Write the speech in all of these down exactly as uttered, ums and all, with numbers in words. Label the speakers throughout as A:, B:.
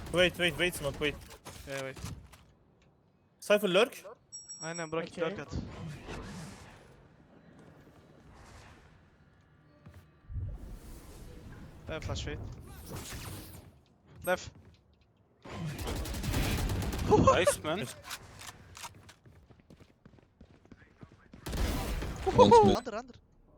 A: Wait, wait, wait, smoke, wait.
B: Yeah, wait.
A: Cypher lurk.
B: Aynen bırak
C: Okay.
B: lurk at. Left flash wait. Left.
D: Nice man.
E: One
B: Under under.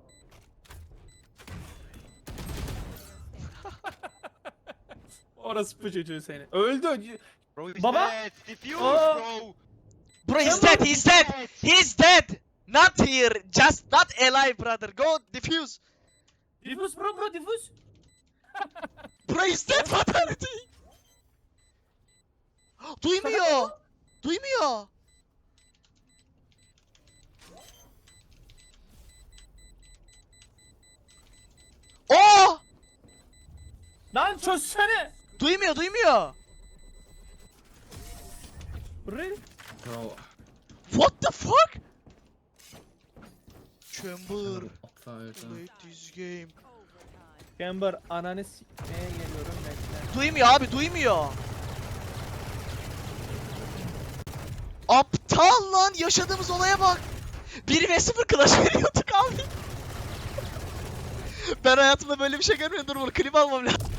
A: Orası bu çocuğu seni. Öldü.
F: Bro, he's
A: Baba?
F: dead. Defuse,
A: Aa!
F: bro.
B: Bro he's dead, he's dead! He's dead! Not here, just not alive brother. Go defuse.
A: Diffuse bro bro diffuse.
B: Bro he's dead fatality. Duymuyor. Duymuyor. Oo!
A: Lan çözsene.
B: Duymuyor, duymuyor.
A: Really?
E: Bro.
B: What the fuck? Chamber,
E: Aptal
B: play this game.
A: Chamber ananı s**meye geliyorum bekle.
B: Duymuyor abi, duymuyor. Aptal lan, yaşadığımız olaya bak. bir ve sıfır clash veriyorduk abi. Ben hayatımda böyle bir şey görmedim. Dur bunu klip almam lazım.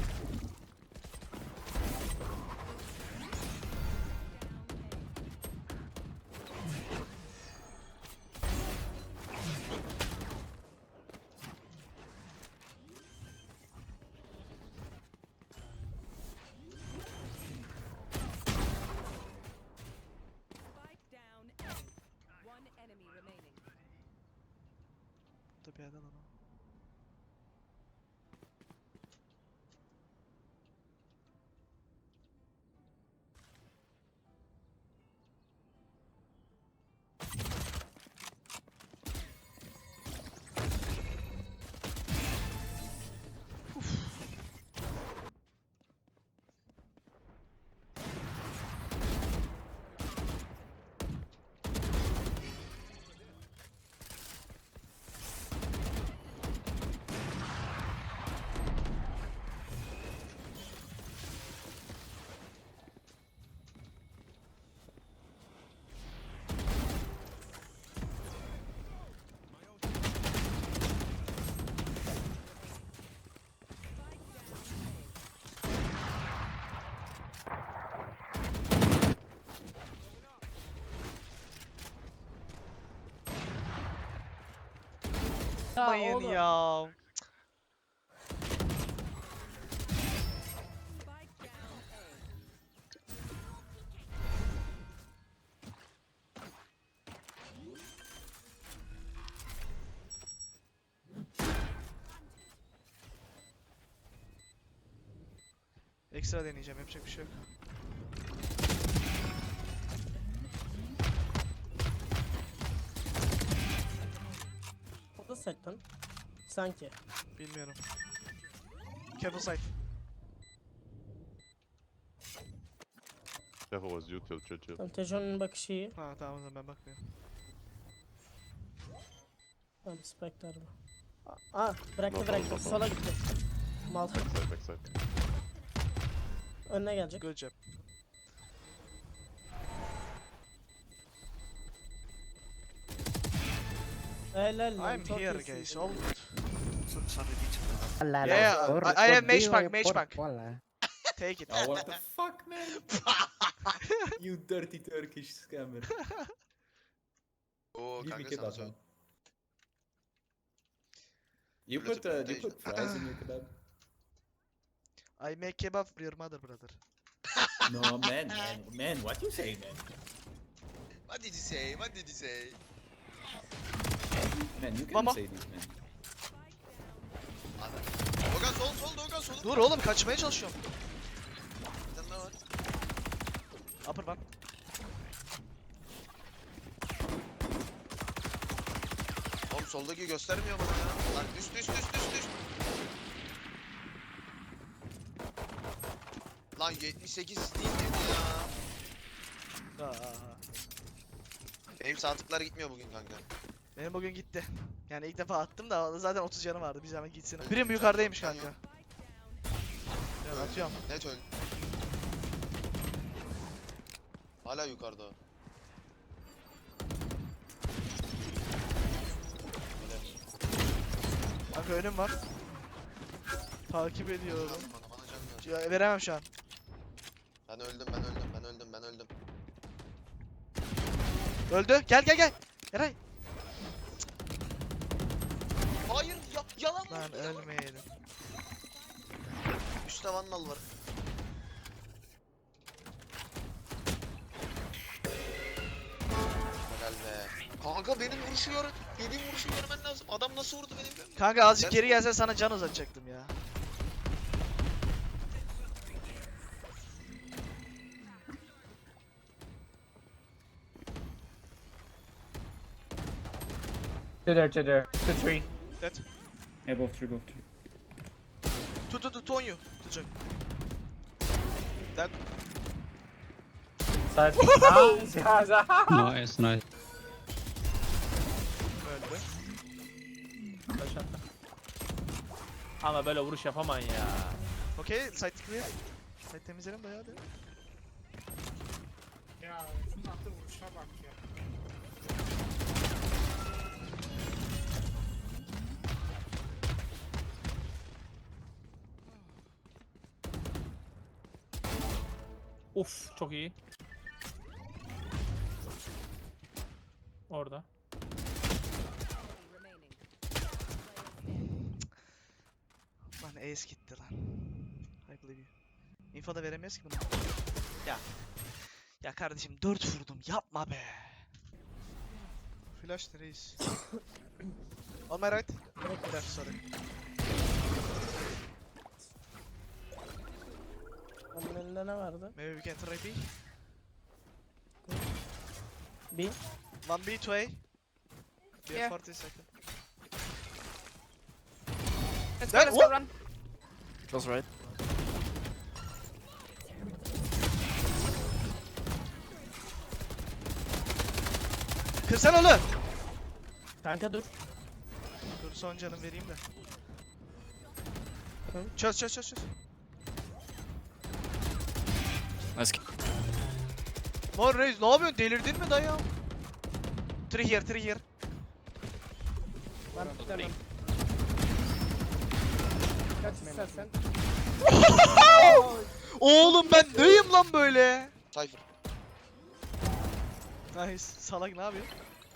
G: Spike down A. One enemy remaining.
B: Tabii yerden onu. Yapmayın
A: oğlum.
B: ya.
G: Spike down A.
B: Ekstra deneyeceğim, yapacak bir şey yok.
C: O da sektan. Sanki.
B: Bilmiyorum. Careful side.
D: Careful was you till chill chill.
C: Tamam, Tejon'un bakışı iyi.
B: Ha tamam o zaman ben bakmıyorum.
C: Tamam Spectre bu. Aa bıraktı
D: No,
C: bıraktı.
D: no, no.
C: Sola gitti. Mal.
D: Backside, backside.
C: Önüne gelecek.
B: Good job.
C: Helal lan.
B: I'm
C: çok
B: here
C: iyisin.
B: guys, all good.
H: La, la,
B: Yeah,
H: por-
B: I- I have
H: por
B: mage
H: Dio
B: bank,
H: y
B: mage
H: por
B: bank.
H: cola.
B: Take it.
E: Oh, what the fuck, man? You dirty Turkish scammer.
F: Oo
E: Give me
F: kanka
E: kebab,
F: sana
E: man.
F: sor.
E: You
F: Let's
E: put, uh, you
F: taste.
E: put fries in your kebab?
B: I make kebab for your mother brother.
E: No, man, man, man, what you say, man?
F: What did you say? What did you say?
E: Man, you can't
B: Mama.
E: say this, man.
F: Adam. Dogan sol sol Dogan sol.
B: Dur oğlum kaçmaya çalışıyorum.
F: Bir tane daha var.
B: Upper one.
F: Oğlum soldaki göstermiyor bana ya. Lan düş düş düş düş düş. Lan yetmiş sekiz değil miydi ya?
B: Aa, aa, aa.
F: Benim sağ tıklar gitmiyor bugün kanka.
B: Benim bugün gitti. Yani ilk defa attım da zaten otuz canı vardı. Bir zaman gitsin. Birim yukarıdaymış kanka. Ya atıyorum.
F: Net öl. Hala yukarıda o.
B: Kanka önüm var. Takip ediyorum.
F: Bana, bana can ver.
B: Ya, veremem şu an.
F: Ben öldüm, ben öldüm, ben öldüm, ben öldüm.
B: Öldü. Gel gel gel. Eray.
F: Hayır, ya, yalan
B: Lan
F: oldu, yalan.
B: ölmeyelim.
F: Üstte vandal var. Helal be. Kanka benim vuruşu gör. Yediğim vuruşu görmen lazım. Adam nasıl vurdu benim görmem.
B: Kanka azıcık
F: Ben-
B: geri gelsen sana can uzatacaktım ya.
A: Two there, two there. Two, three.
B: Dead.
A: Yeah, both three, both three.
B: Tut tut tut on you. Tutacak. Dead.
A: Side. Nice, guys.
I: Nice, nice.
B: Öldü.
A: Ama böyle vuruş yapaman ya.
B: Okey, site clear. Site temizlerim bayağı da.
H: Ya şunun attığı vuruşa bak ya.
A: Uf, çok iyi. Orada.
G: remaining.
B: Lan ace gitti lan. I believe you. Info da veremiyoruz ki buna. Ya. Ya kardeşim dört vurdum yapma be. Flash reis. On my right. Flash sorry.
C: Onun elinde ne vardı?
B: Maybe we can try B.
C: Bir.
B: One B, two A. We have
J: Yeah.
B: forty seconds.
J: Let's go,
B: That-
J: let's
B: what?
J: go, run.
H: Goes right.
B: Kırsana oğlum.
C: Kanka dur.
B: Dur son canım vereyim de. Çöz çöz çöz çöz.
H: Nice.
B: Lan reis ne yapıyorsun delirdin mi dayı? Three here three here.
C: Ben tutamam. Kaç istersen.
B: Oğlum ben neyim lan böyle?
F: Cypher.
B: Nice. Salak ne yapıyor?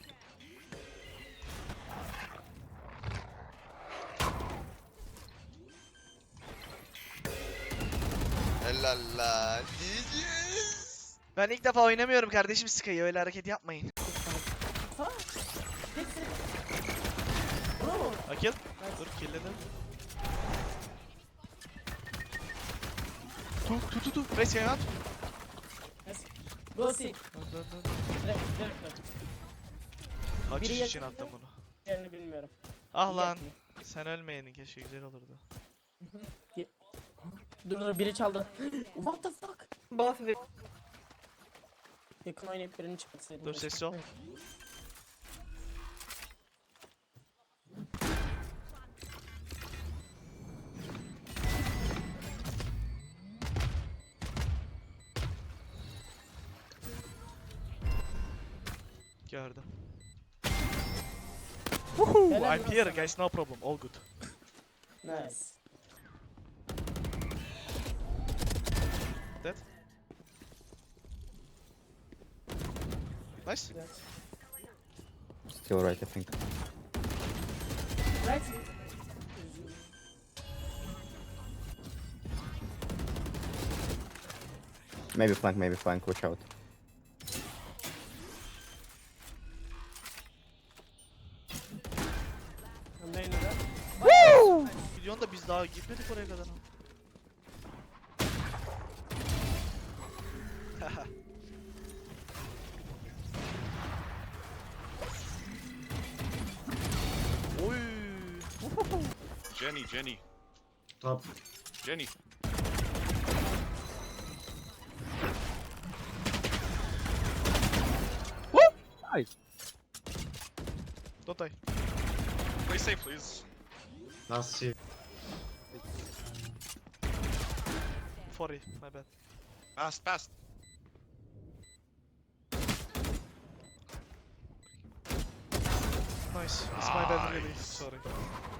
F: Helal lan. Diyeceğiz.
B: Ben ilk defa oynamıyorum kardeşim Sky'ı öyle hareket yapmayın. Akil. Dur killedim. Tu tu tu tu. Race yana at.
C: Go see.
B: Dur dur dur.
C: Direkt direkt.
B: Kaç
C: Biri
B: iş için
C: yakın.
B: attım bunu.
C: Yerini bilmiyorum.
B: Ah lan.
C: Yakın.
B: Sen ölmeyenin keşke güzel olurdu.
C: Dur dur biri çaldı. What the fuck?
J: Both of it.
C: Yakın oynayıp birini çıkartsaydım.
B: Dur sessiz ol. Gördüm. Woohoo!
C: Helal
B: I'm
C: olsun
B: here
C: sana.
B: guys, no problem, all good.
C: Nice.
B: Dead. Nice.
C: Güzel.
E: Still right, I think.
C: Right.
E: Maybe flank, maybe flank, watch out.
C: Öndeyim de.
B: Milyon da biz daha gitmedik oraya kadar. Oy.
D: Jenny, Jenny.
H: Top.
D: Jenny.
B: Don't die.
D: Play safe, please.
H: Last two.
B: forty, my bad.
D: Fast, fast.
B: noise. It's my bad really. Sorry.